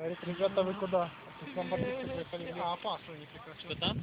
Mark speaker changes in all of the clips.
Speaker 1: Говорит, ребята, вы куда? Снобордисты приехали. Опасно, не прекрасно.
Speaker 2: Что там?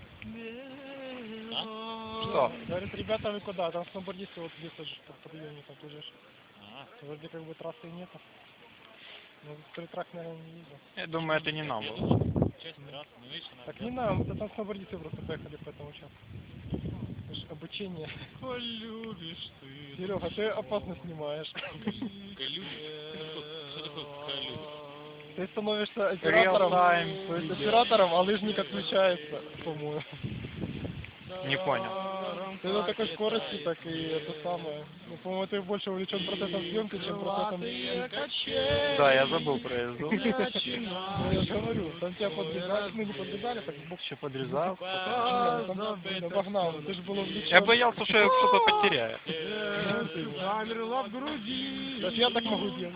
Speaker 1: Что? Говорит, ребята, вы куда? Там снобордисты вот здесь тоже по подъеме там лежишь. Вроде как бы трассы нету. Ну, трак, наверное, не видел.
Speaker 3: Я думаю, это не нам было.
Speaker 2: Часть трассы, ну видишь, она...
Speaker 1: Так не нам, это там снобордисты просто поехали по этому участку. Это ж обучение.
Speaker 2: Полюбишь ты.
Speaker 1: Серега, ты опасно снимаешь.
Speaker 2: Колюбишь? Что такое колюбишь?
Speaker 1: Ты становишься оператором,
Speaker 3: Real-time.
Speaker 1: то есть оператором, а лыжник отключается, по-моему.
Speaker 3: Не понял.
Speaker 1: Ты на такой скорости, так и это самое. Ну, по-моему, ты больше увлечен процессом съемки, чем процессом...
Speaker 3: Да, я забыл про езду.
Speaker 1: Ну, я же говорю, там тебя подрезали, ну не подрезали, так в бок
Speaker 3: Еще подрезал.
Speaker 1: там обогнал, ты же был увлечен.
Speaker 3: Я боялся, что я что-то потеряю.
Speaker 1: Замерла в груди. Даже я так могу делать.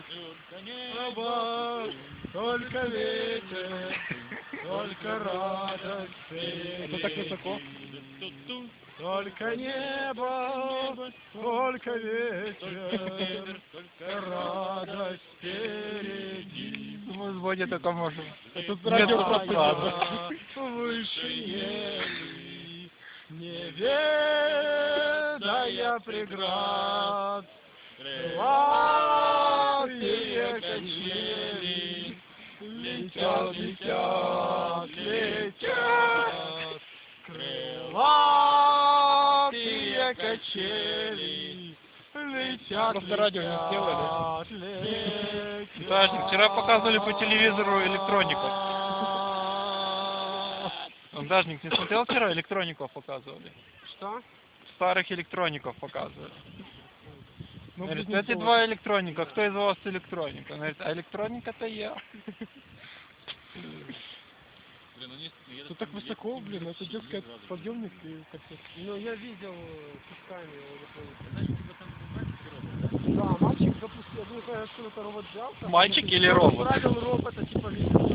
Speaker 1: Только ветер, только радость. Это так высоко. Только небо, только ветер, только радость впереди.
Speaker 3: Мы в воде только можем.
Speaker 1: Тут радио
Speaker 3: просадок.
Speaker 1: Выше не ведая преград, крылатые качели летят, летят, летят. Крылатые качели летят, просто радио не сделали.
Speaker 3: Дажник, вчера показывали по телевизору электроников. Дажник, не смотрел вчера? Электроников показывали.
Speaker 1: Что?
Speaker 3: Старых электроников показывали.
Speaker 1: Ну,
Speaker 3: Говорит, эти два электроника, кто из вас электроника? Он говорит, а электроника-то я.
Speaker 2: Блин, ну не...
Speaker 1: Тут так высоко, блин, это детский подъемник и как-то...
Speaker 4: Ну, я видел песками его.
Speaker 2: Знаешь, типа там мальчики робот, да?
Speaker 1: Да, мальчик запустил, я не знаю, откуда это робот взялся.
Speaker 3: Мальчик или робот?
Speaker 4: Правил робота, типа, видел.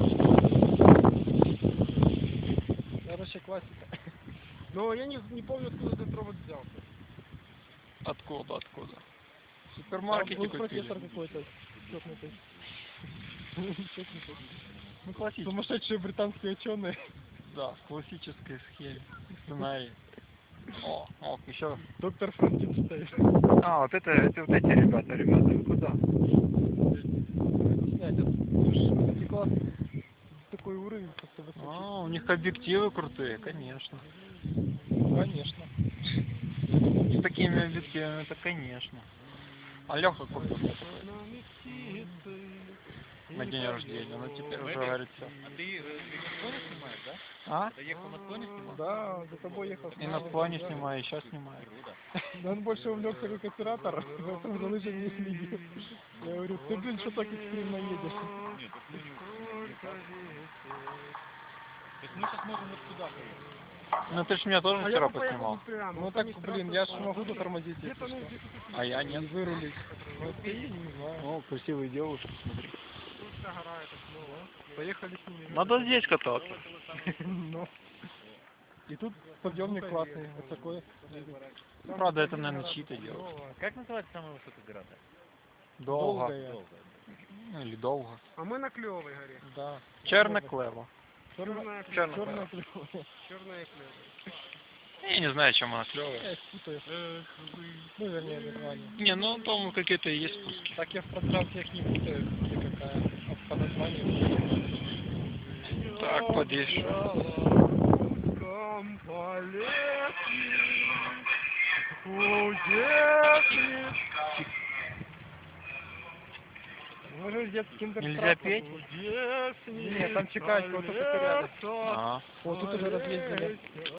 Speaker 1: Короче, классика.
Speaker 4: Но я не помню, откуда этот робот взялся.
Speaker 3: Откуда? В
Speaker 1: Там
Speaker 3: супермаркете
Speaker 1: был
Speaker 3: купили.
Speaker 1: профессор какой-то чёкнутый. Чёкнутый.
Speaker 3: Ну, классический.
Speaker 1: Сумасшедшие британские ученые.
Speaker 3: Да, в классической схеме. Сценарий. О, еще.
Speaker 1: Доктор Франкенштейн.
Speaker 3: А, вот эти ребята, вы куда?
Speaker 1: Снять, это класс. Такой уровень просто высокий.
Speaker 3: А, у них объективы крутые, конечно.
Speaker 1: Конечно.
Speaker 3: С такими объективами, это конечно. А Леха купил на день рождения, ну теперь уже говорит все.
Speaker 2: А ты на склоне снимаешь, да?
Speaker 3: А?
Speaker 2: Ты ехал на склоне снимал?
Speaker 1: Да, за тобой ехал.
Speaker 3: И на склоне снимаю, и сейчас снимаю.
Speaker 1: Да он больше увлекся как оператор, поэтому за лыжами не следил. Я говорю, ты, блин, что так экстремно едешь?
Speaker 2: Нет, так мы не... То есть мы сейчас можем вот сюда поехать.
Speaker 3: Ну ты ж меня тоже вчера поснимал.
Speaker 1: Ну так, блин, я ж могу затормозить, если что.
Speaker 3: А я
Speaker 1: И
Speaker 3: нет.
Speaker 1: вырулить. Вот ты, не знаю.
Speaker 3: О, красивые девушки, смотри.
Speaker 1: Поехали с ними.
Speaker 3: Надо здесь кататься.
Speaker 1: Ну. И тут подъемник классный, высоко.
Speaker 3: Ну, правда, это, наверное, чьи-то делают.
Speaker 2: Как называется самая высокая гора-то?
Speaker 3: Долго.
Speaker 1: Долгая.
Speaker 3: Ну, или долго.
Speaker 4: А мы на Клевой горе.
Speaker 1: Да.
Speaker 3: Черно-клево.
Speaker 4: Черная
Speaker 3: Черная
Speaker 1: Черная
Speaker 4: клева.
Speaker 1: клевая.
Speaker 4: Черная клева.
Speaker 3: Я не знаю, чем она клевая.
Speaker 1: Я их путаю. Ну, вернее, название.
Speaker 3: Не, ну там какие-то есть спуски.
Speaker 1: Так я в пространстве их не путаю, где какая. А по названию.
Speaker 3: Так, подвешу.
Speaker 1: Мы же детский киндер.
Speaker 3: Нельзя петь?
Speaker 1: Нет, там чекать, вот тут рядом.
Speaker 3: Ага.
Speaker 1: Вот тут уже разъездили.